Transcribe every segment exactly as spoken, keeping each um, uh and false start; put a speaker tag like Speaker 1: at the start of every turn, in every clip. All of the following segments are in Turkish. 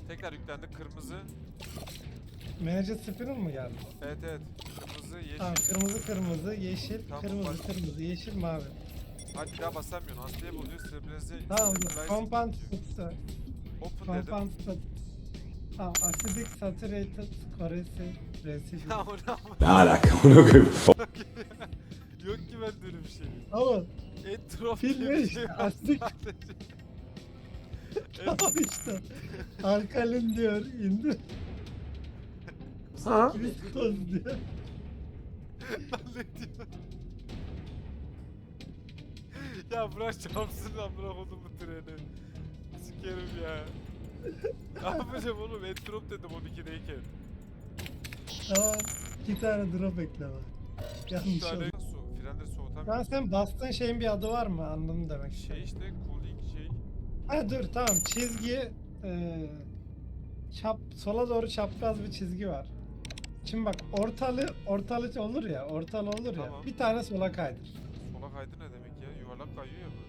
Speaker 1: Tekrar yüklendi. Kırmızı.
Speaker 2: Manager Spinner mı geldi?
Speaker 1: Evet evet. Kırmızı, yeşil.
Speaker 2: Tamam, kırmızı kırmızı, yeşil,
Speaker 1: Tamam,
Speaker 2: kırmızı
Speaker 1: bak.
Speaker 2: kırmızı, yeşil mavi.
Speaker 1: Hadi bir daha basamıyorsun. Hastaya buluyor. Stabilize.
Speaker 2: Tamam,
Speaker 1: stabilize
Speaker 2: compound
Speaker 1: diyor.
Speaker 2: statüsü.
Speaker 1: Open dedim.
Speaker 2: Compound statüsü. Tamam, acidic saturated corrosive residue.
Speaker 1: Ya o ne ama?
Speaker 3: Ne alaka onu koyayım.
Speaker 1: Yok ki ben böyle bir şey.
Speaker 2: Ama
Speaker 1: Entrop
Speaker 2: Film
Speaker 1: diye
Speaker 2: ne
Speaker 1: bir
Speaker 2: işte,
Speaker 1: şey var
Speaker 2: astik.
Speaker 1: sadece.
Speaker 2: tamam işte. Alkalin diyor, indir.
Speaker 3: Ha?
Speaker 2: Viskoz diyor.
Speaker 1: Lan ne diyor? Ya bırak çarpsın lan, bırak onu bu treni. Sikerim ya. Ne yapacağım oğlum? Entrop dedim on ikideyken.
Speaker 2: Tamam, iki tane drop ekleme.
Speaker 1: Bir
Speaker 2: Yanlış
Speaker 1: tane
Speaker 2: oldu.
Speaker 1: su. Frenleri
Speaker 2: Lan
Speaker 1: soğutamıyorum.
Speaker 2: sen bastığın şeyin bir adı var mı? Anladım demek.
Speaker 1: Şey işte cooling şey.
Speaker 2: Ha dur tamam, çizgi eee çap sola doğru çapraz bir çizgi var. Şimdi bak, ortalı ortalı olur ya, ortalı olur ya.
Speaker 1: Tamam.
Speaker 2: Bir tane sola kaydır.
Speaker 1: Sola kaydı ne demek ya? Yuvarlak kayıyor ya bu.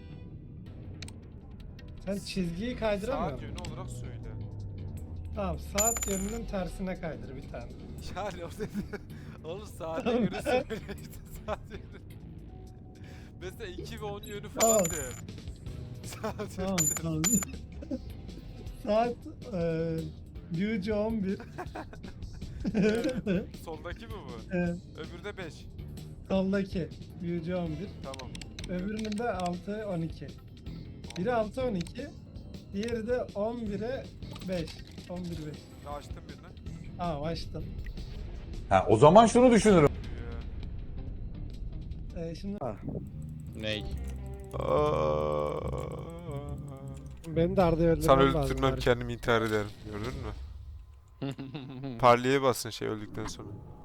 Speaker 2: Sen çizgiyi kaydıramıyor
Speaker 1: Saat
Speaker 2: musun?
Speaker 1: yönü olarak söyle.
Speaker 2: Tamam, saat yönünün tersine kaydır bir tane.
Speaker 1: Yani o dedi. Oğlum saate
Speaker 2: Tamam.
Speaker 1: göre söyle işte, saat yönü. Mesela iki ve on yönü falan
Speaker 2: Tamam.
Speaker 1: de. Saat
Speaker 2: Tamam
Speaker 1: yönü.
Speaker 2: tamam. Saat eee Yuju on bir.
Speaker 1: Evet. Soldaki mi bu?
Speaker 2: Evet,
Speaker 1: Öbürde beş.
Speaker 2: soldaki Yuju on bir.
Speaker 1: Tamam.
Speaker 2: Öbürünün de altı on iki. Biri altı on iki, diğeri de on bire beş. on bir beş.
Speaker 1: Ya açtım birini.
Speaker 2: Tamam, açtım.
Speaker 3: Ha, o zaman şunu düşünürüm.
Speaker 1: Ya.
Speaker 2: Ee, şimdi
Speaker 4: Ney?
Speaker 2: benim de Arda'yı öldürmem
Speaker 1: Sana
Speaker 2: lazım.
Speaker 1: öldürtmem,
Speaker 2: bari.
Speaker 1: kendimi intihar ederim. Gördün mü? Parliye basın şey öldükten sonra.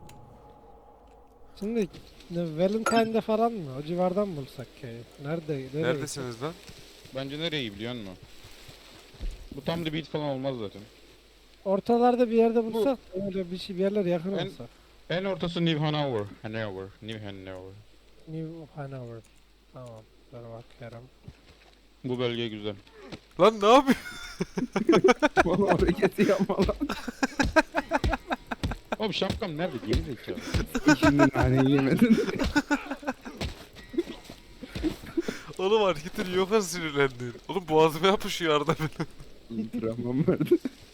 Speaker 2: Şimdi ne, Valentine'de falan mı? O civardan mı bulsak köyü? Nerede? Nereye
Speaker 1: Neredesiniz lan?
Speaker 4: Bence nereye biliyor musun? Bu tam debit falan olmaz zaten.
Speaker 2: gitsek? Ortalarda bir yerde bulsak, öyle bir şey, bir yerler yakın
Speaker 4: En-
Speaker 2: olsa.
Speaker 4: En ortası New Hanover. Hanover. New Hanover.
Speaker 2: New Hanover. Tamam, dur bakıyorum.
Speaker 4: Bu bölge güzel.
Speaker 1: Lan ne yapıyorsun?
Speaker 5: Valla hareketi yapma lan.
Speaker 4: Oğlum şapkam nerede? Geri zekalı.
Speaker 5: Şimdi naneyi yemedin.
Speaker 1: Oğlum hareketini yok sinirlendin. Oğlum boğazıma yapışıyor arada benim.
Speaker 5: İntiramım verdi.